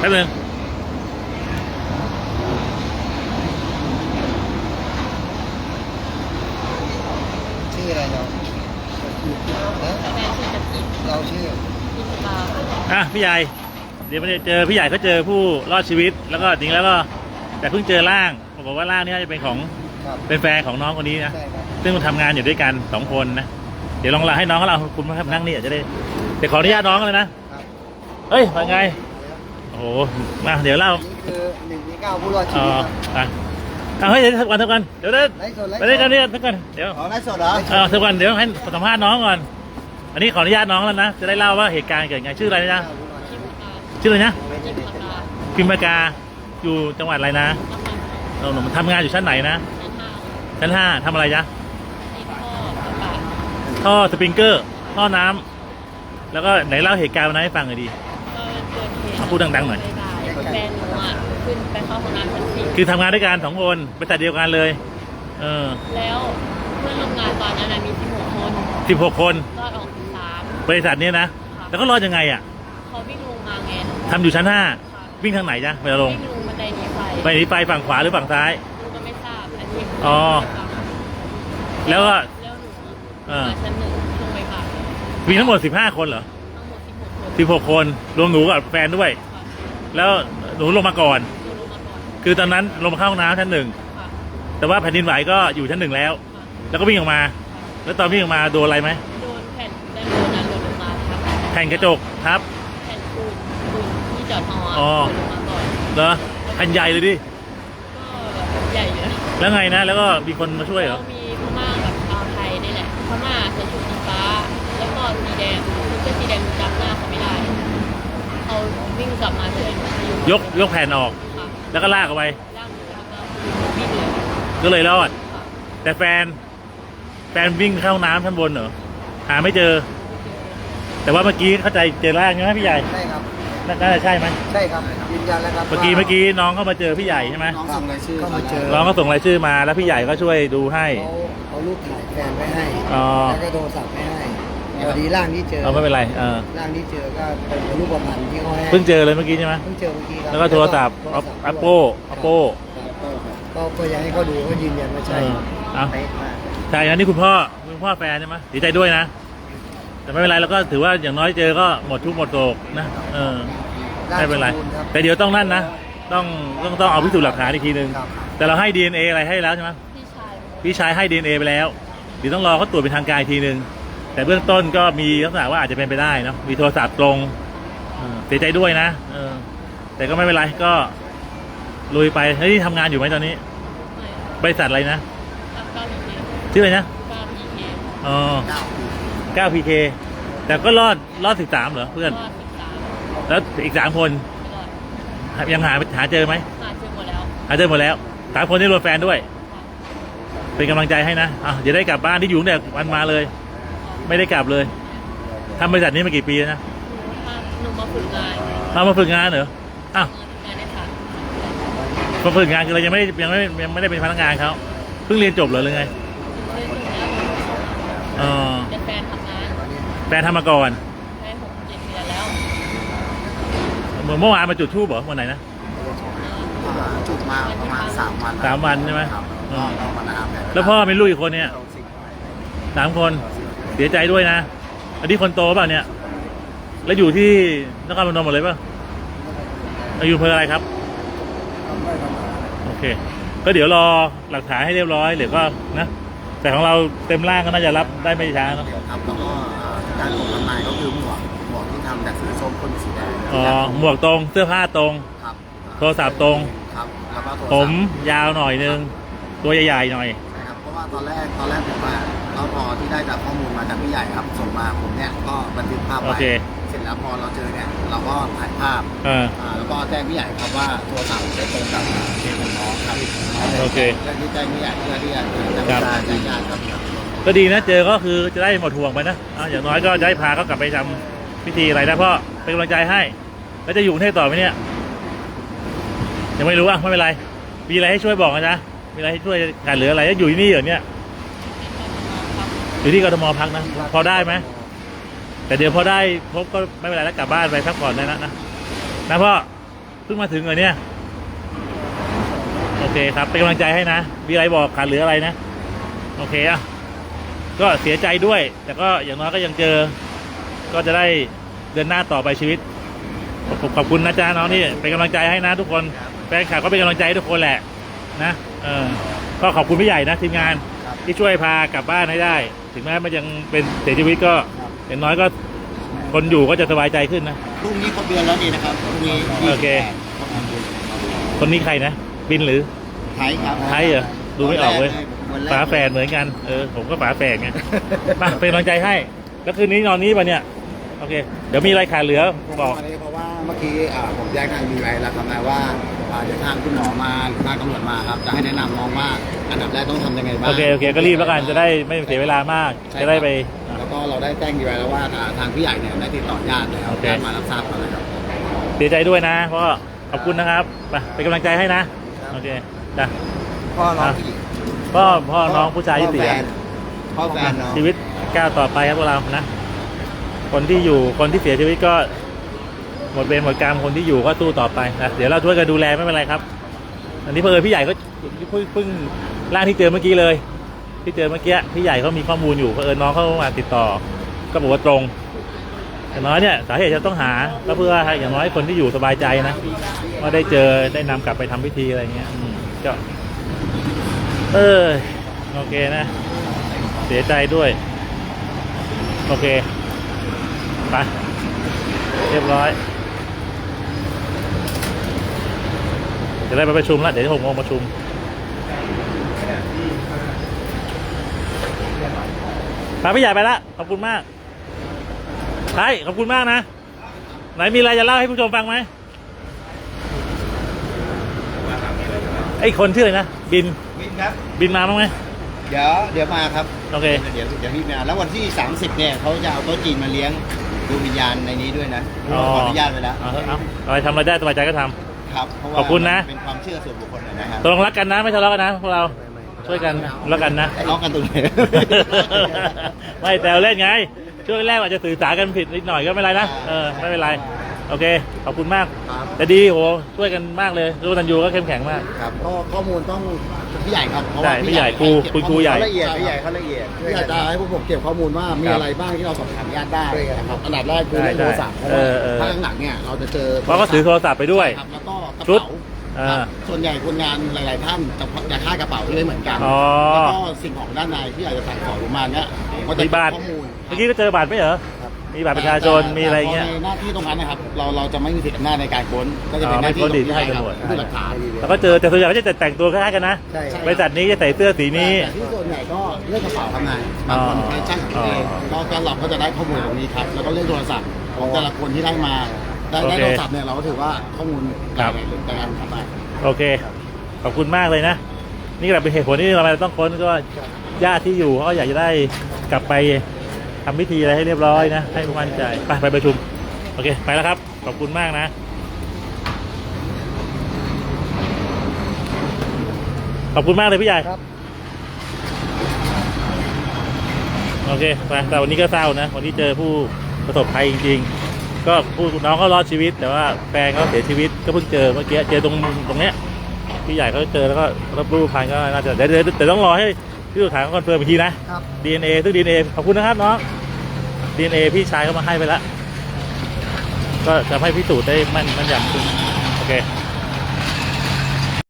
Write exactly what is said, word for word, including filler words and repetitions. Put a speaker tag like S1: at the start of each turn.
S1: ป๊บนึง
S2: ชื่ออะไรเราเราชื่อ
S1: อ่ะพี่ใหญ่เดี๋ยวมาเจอพี่ใหญ่เขาเจอผู้รอดชีวิตแล้วก็จริงแล้วก็แต่เพิ่งเจอร่างบอกว่าร่างนี้จะเป็นของเป็นแฟนของน้องคนนี้นะซึ่งมันทำงานอยู่ด้วยกันสองคนนะเดี๋ยวลองลาให้น้องเขาเราคุณมานั่งนี่อาจจะได้เดี๋ยวขออนุญาตน้องเลยนะเฮ้ยว่าไงโอ้โหมาเดี๋ยวเล่า
S2: นี่คือหนึ่งในเก้าผู้รอดชี
S1: อ๋อ
S2: วิตครับ
S1: อ่ะเอาให้เดี๋ยวสักวันสักวันเดี๋ยวเดิน
S2: ไลฟ์สดไลฟ์
S1: ไปได้กันนี่สักวันเดี๋ยว
S2: อ๋อไลฟ์สดเหรอ
S1: เออสักวันเดี๋ยวให้สัมภาษณ์น้องก่อนอันนี้ขออนุญาตน้องแล้วนะจะได้เล่าว่าเหตุการณ์เกิดไงชื่ออะไรนะชื่ออะไรนะพิมพ์กาอยู่จังหวัดอะไรนะเราหนุ่มทำงานอยู่ชั้นไหนนะชั้นห้าทำอะไรจ๊ะท่อสปริงเกอร์ท่อน้ำแล้วก็ไหนเล่าเหตุการณ์วันนั้นให้ฟังหน่อยดีเอาพูดดังๆหน่อย
S3: แฟนหนูอ่ะขึ้นไปเข้าห้องน้ำชั้นสี่
S1: คือทำงานด้วยกันสองคนบริษัทเดียวกันเลยเออ
S3: แล้วเพื่อนร่วมงานตอนนั้นมีสิบหกคน
S1: สิบหกคน
S3: รอดออกสาม
S1: บริษัทนี้นะแล้วก็รอดยังไงอ่ะ
S3: เขาวิ่งลงมาไง
S1: ทำอยู่ชั้นห้าวิ่งทางไหนจ๊ะเวลาลง
S3: วิ่งลงบันไดหนีไฟ
S1: ไปหนีไฟฝั่งขวาหรือฝั่งซ้าย
S3: ลูกก็ไม่ทราบอันนี้
S1: อ๋อแล้วก็
S3: แล้วหนูมาชั้นหนึ่งลงไปบ่าย
S1: มีทั้งหมดสิบห้าคนเหรอ
S3: ทั้งหมด
S1: สิบหกคนรวมหนูกับแฟนด้วยแล้วหนูลงมาก่อนคือตอนนั้นลงมาเข้าห้องน้ำชั้นหนึ่งแต่ว่าแผ่นดินไหวก็อยู่ชั้นหนึ่งแล้วแล้วก็วิ่งออกมาแล้วตอนวิ่งออกมาโดนอะไรไหม
S3: โดนแผ่นด้านบนนั้นหล่นลงมาครับ
S1: แผ่นกระจกครับ
S3: แผ่นปูนปูนที่จอดฮอ
S1: อ๋อ
S3: ลงมาก่อน
S1: เหรอแผ่นใหญ่เลยดิ
S3: ก็ใหญ่เลย
S1: แล้วไงนะแล้วก็มีคนมาช่วยเหรอ
S3: มีพม่ากับชาวไทยนี่แหละพม่าใส่ชุดสีฟ้าแล้วก็สีแดงชุดเสื้อสีแดงจำหน้าเขาไม่ได้เขาวิ่งกลับมาช่วย
S1: ยกยกแผ่นออกแล้วก็ลากออกไป
S3: ลากแล้วก็วิ่งเลย
S1: ก็เลยรอดแต่แฟนแฟนวิ่งเข้าน้ำชั้นบนเหรอหาไม่เจอแต่ว่าเมื่อกี้เข้าใจเจอร่างใช่ไหมพี่ใหญ่
S2: ใช่ครับ
S1: น่าจะใช่ไหม
S2: ใช่ครับยืนยันแล้วครับ
S1: เมื่อกี้เมื่อกี้น้องเข้ามาเจอพี่ใหญ่ใช่ไหม
S2: น้องส่งรายชื่อเข้ามาเจอ
S1: น้องก็ส่งรายชื่อมาแล้วพี่ใหญ่ก็ช่วยดูให้
S2: เขาเอารูปถ่ายแฟนไว้ให้
S1: อ๋อ
S2: แล้วก็โทรศัพท์ไว้ให้พอดีร่างที่เจอ
S1: เอาไม่เป็นไรเออ
S2: ร่างที่เจอก็เป็นรูปประพันธ์ที่เขาให้
S1: เพิ่งเจอเลยเมื่อกี้ใช่ไหม
S2: เพิ่งเจอเมื่อกี้ครับ
S1: แล้วก็โทรศัพท์อัปโป้อัปโป้
S2: ก็ก็อยากให้เขาดูเขายืนยันว่าใช่
S1: เป๊ะมากใช่นะนี่คุณพ่อคุณพ่อแฟนใช่ไหมดีใจด้วยนะแต่ไม่เป็นไรเราก็ถือว่าอย่างน้อยเจอก็หมดทุกหมดโศกนะเออไม่เป็นไรแต่เดี๋ยวต้องนั่นนะต้องต้องต้องเอาพิสูจน์หลักฐานอีกทีนึงแต่เราให้ ดี เอ็น เอ อะไรให้แล้วใช่ไหม
S3: พี่ชาย
S1: พี่ชายให้ ดี เอ็น เอ ไปแล้วเดี๋ยวต้องรอเขาตรวจเป็นทางการอีกทีนึงแต่เบื้องต้นก็มีลักษณะว่าอาจจะเป็นไปได้เนาะมีโทรศัพท์ตรงเสียใจด้วยนะเออแต่ก็ไม่เป็นไรก็ลุยไปเฮ้ยทำงานอยู่ไหมตอนนี้บริษัทอะไรนะชื่ออะไรนะอ๋อเก้าพีเคแต่ก็รอดรอดสิบสามเหรอเพื่อนแล้วอีกสามคนยังหาหาเจอไหม
S3: หาเจอหมดแล้ว
S1: หาเจอหมดแล้วสามคนที่รวมแฟนด้วยเป็นกำลังใจให้นะอ่ะเดี๋ยวได้กลับบ้านที่อยู่เนี่ยวันมาเลยไม่ได้กลับเลยทำบริษัทนี้มากี่ปีแล้วนะ
S3: หนูมาฝึกงาน
S1: มามาฝึกงานเหรออ้าว
S3: งานในค่ะ
S1: มาฝึกงานคือเรายังไม่ยังไม่ยังไม่ได้เป็นพนักงานเขาเพิ่งเรียนจบเหรอหรือไงอ๋อ
S3: เป็นแฟนทำงาน
S1: แฟนทำมาก่อน
S3: ได้หกเจ็ดเดือนแล้ว
S1: เหมือนเมื่อวานมาจุดธูปเหรอวันไหนนะ
S2: จุดมาประมาณสามวัน
S1: สามวันใช่ไหม
S2: แล้
S1: วพ่อเป็นลูกอีกคนเนี่ยสามคนเสียใจด้วยนะอันนี้คนโตเปล่าเนี่ยแล้วอยู่ที่นครพนมหมดเลยเปล่าอยู่อำเภออะไรครับโอเคก็เดี๋ยวรอหลักฐานให้เรียบร้อยเดี๋ยวก็นะแต่ของเราเต็มร่างก็น่าจะรับได้ไม่ช้าเนาะ
S2: ครับแล้วก็การตกน้ำลายก็คือหมวกหมวกที่ทำจากสีส้มพ่นสีแดง
S1: อ๋อหมวกตรงเสื้อผ้าตรง
S2: ครับ
S1: โทรศัพท์ตรง
S2: ครับแล้วก็
S1: ผมยาวหน่อยนึงตัวใหญ่ๆหน่อย
S2: ใช่ครับเพราะว่าตอนแรกตอนแรกผมมาเราพอที่ได้จากข้อมูลมาจากพี่ใหญ่ครับส่งมาผมเนี่ยก็บันทึกภาพไว้เสร็จแล้วพอเราเจอเนี่ยเราก็ถ่ายภาพอ่าแล้วก็แจ้งพี่ใหญ่ครับว่าโทรศัพท์ได้ตรงกับเคสของน้องครับ
S1: โอเค
S2: เรื่องที่แจ้งพี่ใหญ่เพื่อที่จะจะแจ้งญาติครับ
S1: ก็ดีนะเจอก็คือจะได้หมดห่วงไปนะอ่าอย่างน้อยก็จะได้พาเขากลับไปทำพิธีอะไรนะพ่อเป็นกำลังใจให้แล้วจะอยู่กรุงเทพต่อไหมเนี่ยยังไม่รู้อ่ะไม่เป็นไรมีอะไรให้ช่วยบอกนะจ๊ะมีอะไรให้ช่วยขาดเหลืออะไรอยู่ที่นี่เหรอเนี่ยอยู่ที่กทมพักนะพอได้ไหมแต่เดี๋ยวพอได้พบก็ไม่เป็นไรแล้วกลับบ้านไปพักผ่อนได้นะนะนะพ่อเพิ่งมาถึงเหรอเนี่ยโอเคครับเป็นกำลังใจให้นะมีอะไรบอกขาดเหลืออะไรนะโอเคอ่ะก็เสียใจด้วย แต่ก็อย่างน้อยก็ยังเจอ ก็จะได้เดินหน้าต่อไปชีวิตขอบขอบคุณนะจ๊ะน้องนี่เป็นกำลังใจให้นะทุกคนแฟนคลับก็เป็นกำลังใจให้ทุกคนแหละนะเออก็ขอบคุณพี่ใหญ่นะทีมงานที่ช่วยพากลับบ้านให้ได้ ถึงแม้มันยังเป็นเสียชีวิตก็อย่างน้อยก็คนอยู่ก็จะสบายใจขึ้นนะ
S2: พรุ่งนี้ครบเดือนแล้วดีนะครับพรุ่งนี้
S1: โอเค คนนี้ใครนะบินหรือ
S2: ไทยครับ
S1: ไทยเหรอดูไม่ออกเลย
S2: วันรก
S1: ฝาแฝดเหมือนกันเออผมก็ฝาแฝดไง มาเป็นกำลังใจให้แล้วคืนนี้นอนนี้ป่ะเนี่ยโอเคเดี๋ยวมีอะไรขาดเหลือบอก
S2: เพราะว่าเมื่อกี้อ่าผมแจ้งทางดีไอแล้วครับนะว่าอ่าเดี๋ยวทางคุณหมอมาหรือทางตำรวจมาครับจะให้แนะนำน้องว่าอันดับแรกต้องทำยังไงบ้าง
S1: โอเคโอเคก็รีบแล้วกันจะได้ไม่เสียเวลามาก
S2: ใช่
S1: จะได้ไป
S2: แล้วก็เราได้แจ้งดีไอแล้วว่าอ่าทางผู้ใหญ่เนี่ยได้ติดต่อญาติแล้ว
S1: โอเค
S2: ญาติมารับทราบแล้วนะครับ
S1: เสียใจด้วยนะเพราะขอบคุณนะครับไปเป็นกำลังใจให้นะโอเคจ้ะ
S2: พ่อน้องผู้หญิง
S1: พ่อพ่อน้องผู้ชายที่เสีย
S2: พ่อแฟนน้อง
S1: ชีวิตก้าวต่อไปครับพวกเรานะ คนที่อยู่คนที่เสียชีวิตก็หมดเวรหมดกรรมคนที่อยู่ก็สู้ต่อไปนะเดี๋ยวเราช่วยกันดูแลไม่เป็นไรครับ อันนี้เพื่อนพี่ใหญ่ก็เพิ่งเพิ่งร่างที่เจอเมื่อกี้เลย ที่เจอเมื่อกี้พี่ใหญ่เขามีข้อมูลอยู่เพื่อนน้องเขามาติดต่อ ก็บอกว่าตรงอย่างน้อยเนี่ยสาเหตุจะต้องหาก็เพื่อให้อย่างน้อยคนที่อยู่สบายใจนะว่าได้เจอได้นำกลับไปทำพิธีอะไรเงี้ยอืมก็เออโอเคนะ เสียใจด้วยโอเคไปเรียบร้อยจะได้ไปประชุมแล้วเดี๋ยวหกโมงประชุมพาพี่ใหญ่ไปละขอบคุณมากใช่ขอบคุณมากนะไหนมีอะไรจะเล่าให้ผู้ชมฟังไหมไอ้คนชื่ออะไรนะบิน
S2: บินครับ
S1: บินมาบ้างไหม
S2: เดี๋ยวเดี๋ยวมาครับ
S1: โอเค
S2: เดี๋ยวเดี๋ยวพี่มาแล้ววันที่สามสิบเนี่ยเขาจะเอาโต๊ะจีนมาเลี้ยงดวงวิญญาณในนี้ด้วยนะ
S1: อ๋อ
S2: ขออนุญาตไว้แล้ว
S1: เอาเถอะเอาอะไรทำอะไรได้สบายใจก็ทำ
S2: ครับเพราะว่า
S1: ขอบคุณนะ
S2: เป็นความเชื่อส่วนบุคคลนะครับ
S1: ตกลงรักกันนะไม่ทะเลาะกันนะพวกเราช่วยกันรักกันนะ
S2: ทะเลาะกันตรงไหน
S1: ไม่แต่เล่นไงช่วงแรกอาจจะสื่อสารกันผิดนิดหน่อยก็ไม่เป็นไรนะเออไม่เป็นไรโอเคขอบคุณมาก
S2: ครับ
S1: แต่ดีโหช่วยกันมากเลยรู้ตันยูก็เข้มแข็งมาก
S2: ครับก็ข้อมูลต้องพี่ใหญ่ครับเพราะ
S1: ใช่
S2: ว่า
S1: พี่ใหญ่ครูคุณครูใหญ่
S2: ละเอียดพี่ใหญ่เขาละเอียดพี่ใหญ่จะให้พวกผมเก็บข้อมูลว่ามี
S1: ครับ
S2: อะไรบ้างที่เราสอบถามญาติได้นะครับอันดับแรกคือ
S1: ได้
S2: เรื่องโทรศัพท์เพราะว่า
S1: เออเออ
S2: ถ้าหลังๆเนี่ยเราจะเจอ
S1: เพราะก็ถือโทรศัพท์ไปด้วย
S2: ครับแล้วก็กระ
S1: ชุด
S2: เป๋า
S1: อ่า
S2: ครับส่วนใหญ่คนงานหลาย ๆ ท่านจะจะค่ายกระเป๋าที่ไม่เหมือนกัน
S1: อ๋อ
S2: แล้วก็สิ่งของด้านในที่อาจจะสั่งของประมาณเนี้ยก็จะ
S1: มีบัตร
S2: ข้อมูล
S1: เมื่อกี้ก็เจอบัตรไม่เหรอ
S2: ครับ
S1: มีบัตรประชาชนมีอะไรเงี้ย
S2: แต่พในหน้าที่ตรงนั้นนะครับเราเราจะไม่มีสิทธิ์อำนาจในการค้นก็จะเป็น
S1: อ๋อ
S2: หน้าที่
S1: ไม่ค้นดิ
S2: ของ
S1: ให้ตำรวจ
S2: ครับคือหลักฐาน
S1: แล้วก็เจอแต่ส่วนใหญ่ก็จะแต่งตัวคล้ายๆกันนะ
S2: ใช่ครับ
S1: บริษัทนี้จะใส่เสื้อสีนี้
S2: แต่ที่ส่วนใหญ่ก็เรื่องกระเป๋าทำงานบางคน
S1: อ๋อ
S2: ใช้ช่างของตัวเอง
S1: อ๋อ
S2: ก็ก็เราก็จะได้ข้อมูลตรงนี้ครับแล้วก็เรื่องโทรศัพท์ของแต่ละคนที่ได้มาได้ได้
S1: โอเค
S2: โทรศัพท์เนี่ยเราก็ถือว่าข้อมูล
S1: ครับ
S2: ในการทำได้
S1: โอเค ขอบคุณมากเลยนะ นี่แหละเป็นเหตุผลที่เราต้องค้นก็ญาติที่อยู่เขาก็อยากจะได้กลับไปทำพิธีอะไรให้เรียบร้อยนะ ให้มั่นใจไปไปประชุม โอเค ไปแล้วครับ ขอบคุณมากนะ ขอบคุณมากเลยพี่ใหญ่
S2: ครับ
S1: โอเคไปแต่วันนี้ก็เศร้านะ วันนี้เจอผู้ประสบภัยจริงๆ ก็ผู้น้องก็รอดชีวิต แต่ว่าแฟนเขาเสียชีวิตก็เพิ่งเจอเมื่อกี้เจอตรงตรงเนี้ยพี่ใหญ่เขาเจอแล้วก็รับรู้พันก็น่าจะเดี๋ยวเดี๋ยวแต่ต้องรอให้พี่สุขายเขาคอนเฟิร์มอีกทีนะครับ ดี เอ็น เอ ซึ่ง ดี เอ็น เอ ขอบคุณนะครับน้อง ดี เอ็น เอ พี่ชายเขามาให้ไปแล้วก็จะให้พิสูจน์ได้มั่นมั่นยำขึ้นโอเค